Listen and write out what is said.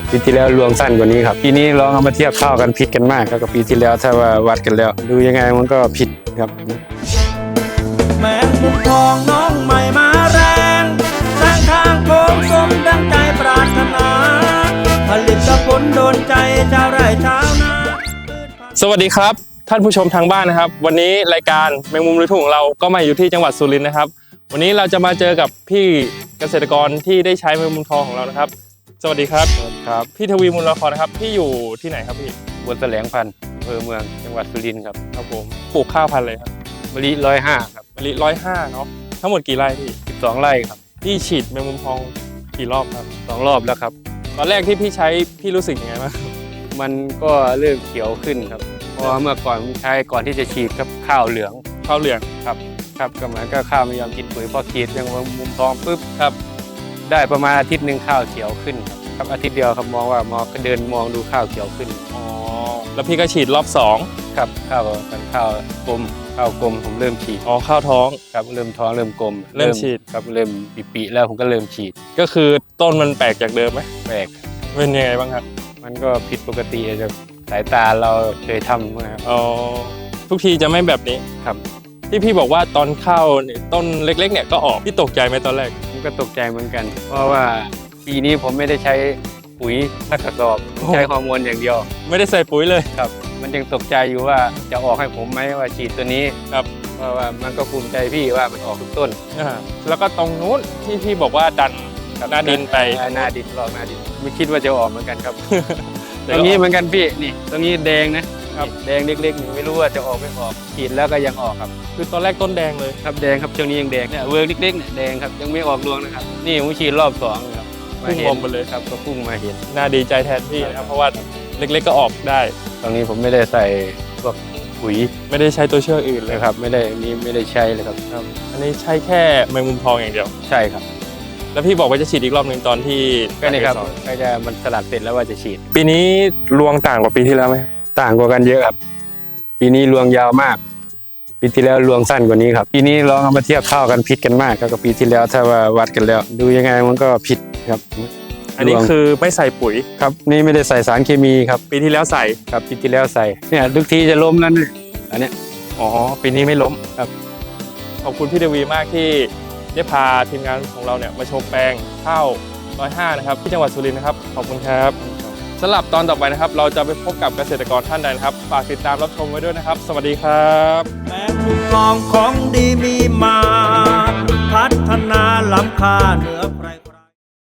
ปีที่แล้วรวงสั้นกว่านี้ครับปีนี้ลองเอามาเทียบข้าวกันผิดกันมากครับกับปีที่แล้วถ้าว่าวัดกันแล้วดูยังไงมันก็ผิดครับแมงมุมทองน้องใหม่มาแรงสร้างทางโค้งสมดังใจปรารถนาผลิตผลโดนใจชาวไร่ชาวนาสวัสดีครับท่านผู้ชมทางบ้านนะครับวันนี้รายการแมงมุมลุยทุ่งของเราก็มาอยู่ที่จังหวัดสุรินทร์นะครับวันนี้เราจะมาเจอกับพี่เกษตรกรที่ได้ใช้แมงมุมทองของเรานะครับสวัสดีครับครับพี่ทวีมูลละครนะครับพี่อยู่ที่ไหนครับพี่บนแสลงพันธุ์อำเภอเมืองจังหวัดสุรินทร์ครับครับผมปลูกข้าวพันธุ์เลยครับมะลิ105ครับมะลิ105เนาะทั้งหมดกี่ไร่พี่ 12 ไร่ครับพี่ฉีดแมงมุมทองกี่รอบครับ 2 รอบแล้วครับตอนแรกที่พี่ใช้พี่รู้สึกยังไงบ้างมันก็เริ่มเขียวขึ้นครับเพราะเมื่อก่อนใช้ก่อนที่จะฉีดครับข้าวเหลืองครับก็เหมือนก็ข้าวไม่ยอมกินปุ๋ยพอฉีดแมงมุมทองปุ๊บครับได้ประมาณอาทิตย์นึงข้าวเขียวขึ้นครับอาทิตย์เดียวครับมองว่าก็เดินมองดูข้าวเขียวขึ้นอ๋อแล้วพี่ก็ฉีดรอบ2 ครับข้าวกลมผมเริ่มฉีดอ๋อข้าวท้องครับเริ่มท้องเริ่มกลมเริ่มฉีดครับเริ่มปีแล้วผมก็เริ่มฉีดก็คือต้นมันแปลกจากเดิมไหมแปลกเป็นยังไงบ้างครับมันก็ผิดปกติจากสายตาเราเคยทำนะครับอ๋อทุกทีจะไม่แบบนี้ครับที่พี่บอกว่าตอนข้าวต้นเล็กๆเนี่ยก็ออกพี่ตกใจไหมตอนแรกผมก็ตกใจเหมือนกันเพราะว่าปีนี้ผมไม่ได้ใช้ปุ๋ยสักกระสอบใช้ฮอร์โมนอย่างเดียวไม่ได้ใส่ปุ๋ยเลยครับมันยังตกใจอยู่ว่าจะออกให้ผมไหมว่าฉีดตัวนี้ครับเพราะว่ามันก็ภูมิใจพี่ว่ามันออกทุกต้นแล้วก็ตรงนู้นที่พี่บอกว่าดันหน้าดินไปหน้าดินรอบหน้าดินไม่คิดว่าจะออกเหมือนกันครับตรงนี้เหมือนกันพี่นี่ตรงนี้แดงนะครับแดงเล็กๆไม่รู้ว่าจะออกไม่ออกฉีดแล้วก็ยังออกครับคือตอนแรกต้นแดงเลยครับแดงครับช่วงนี้ยังแดงเนี่ยเวิร์กเล็กๆเนี่ยแดงครับยังไม่ออกรวงนะครับนี่ผมฉีดรอบ2ครับพุ่งออกมาเลยครับก็พุ่งมาเห็นน่าดีใจแทนพี่นะครับเพราะว่าเล็กๆก็ออกได้ตรงนี้ผมไม่ได้ใส่พวกปุ๋ยไม่ได้ใช้ตัวเชื่ออื่นเลยครับไม่ได้ใช้เลยครับอันนี้ใช้แค่แมงมุมทองอย่างเดียวใช่ครับแล้วพี่บอกว่าจะฉีดอีกรอบหนึ่งตอนที่ก็นี่ครับก็จะมันสลัดเสร็จแล้วว่าจะฉีดปีนี้รวงต่างกว่าปีที่แล้วไหมต่างกว่ากันเยอะครับปีนี้รวงยาวมากปีที่แล้วรวงสั้นกว่านี้ครับปีนี้ลองเอามาเทียบข้าวกันผิดกันมากครับกับปีที่แล้วถ้าว่าวัดกันแล้วดูยังไงมันก็ผิดครับอันนี้คือไม่ใส่ปุ๋ยครับนี่ไม่ได้ใส่สารเคมีครับปีที่แล้วใส่ครับปีที่แล้วใส่เนี่ยทุกทีจะล้มแล้วเนี่ยอันเนี้ยอ๋อปีนี้ไม่ล้มครับขอบคุณพี่เดวีมากที่ได้พาทีมงานของเราเนี่ยมาชมแปลงข้าว105นะครับที่จังหวัดสุรินทร์นะครับขอบคุณครับสำหรับตอนต่อไปนะครับเราจะไปพบกับเกษตรกรท่านใดนะครับฝากติดตามรับชมไว้ด้วยนะครับสวัสดีครับแมงมุมทองของดีมีมาพัฒนาล้ำค่าเหนือใคร